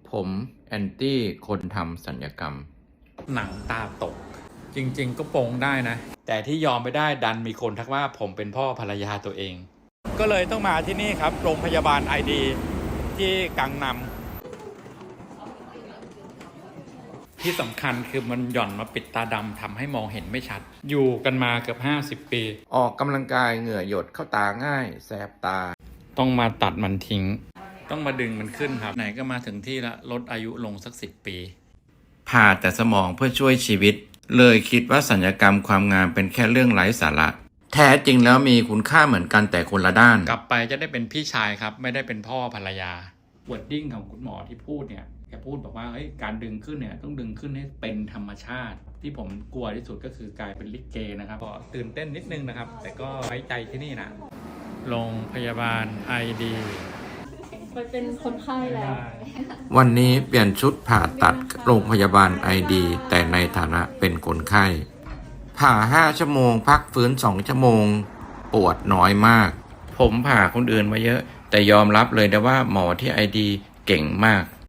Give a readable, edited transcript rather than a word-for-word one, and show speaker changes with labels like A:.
A: ผมแอนตี้คนทำศัลยกรรม
B: หนังตาตก จริงๆก็โปงได้นะ แต่ที่ยอมไม่ได้ดันมีคนทักว่าผมเป็นพ่อภรรยาตัวเอง ก็เลยต้องมาที่นี่ครับ โรงพยาบาลไอดีที่กังนำที่สำคัญคือมันหย่อนมาปิดตาดำทำให้มองเห็นไม่ชัด อยู่กันมาเกือบ50 ปี
A: ออกกำลังกายเหงื่อหยดเข้าตาง่ายแสบตา
B: ต้องมาตัดมันทิ้ง ต้องมาดึงมันขึ้นครับ ไหนก็มาถึงที่ละลดอายุลงสัก10 ปี
A: ผ่าแต่สมองเพื่อช่วยชีวิต เลยคิดว่าศัลยกรรมความงามเป็นแค่เรื่องไร้สาระ แท้จริงแล้วมีคุณค่าเหมือนกันแต่คนละด้าน
B: กลับไปจะได้เป็นพี่ชายครับ ไม่ได้เป็นพ่อภรรยา วอร์ดดิ้งของคุณหมอที่พูดเนี่ยแกพูดบอกว่าเฮ้ยการดึงขึ้นเนี่ยต้องดึงขึ้นให้เป็นธรรมชาติ ที่ผมกลัวที่สุดก็คือกลายเป็นลิเกนะครับก็ตื่นเต้นนิดนึงนะครับ แต่ก็ไว้ใจที่นี่นะโรงพยาบาลไอดี
C: ไปเป็นคนไข้แล้ว
A: วันนี้เปลี่ยนชุดผ่าตัดโรงพยาบาลไอดีแต่ในฐานะเป็นคนไข้ ผ่า5 ชั่วโมงพักฟื้น2 ชั่วโมง ปวดน้อยมาก ผมผ่าคนอื่นมาเยอะ แต่ยอมรับเลยนะว่าหมอที่ไอดีเก่งมาก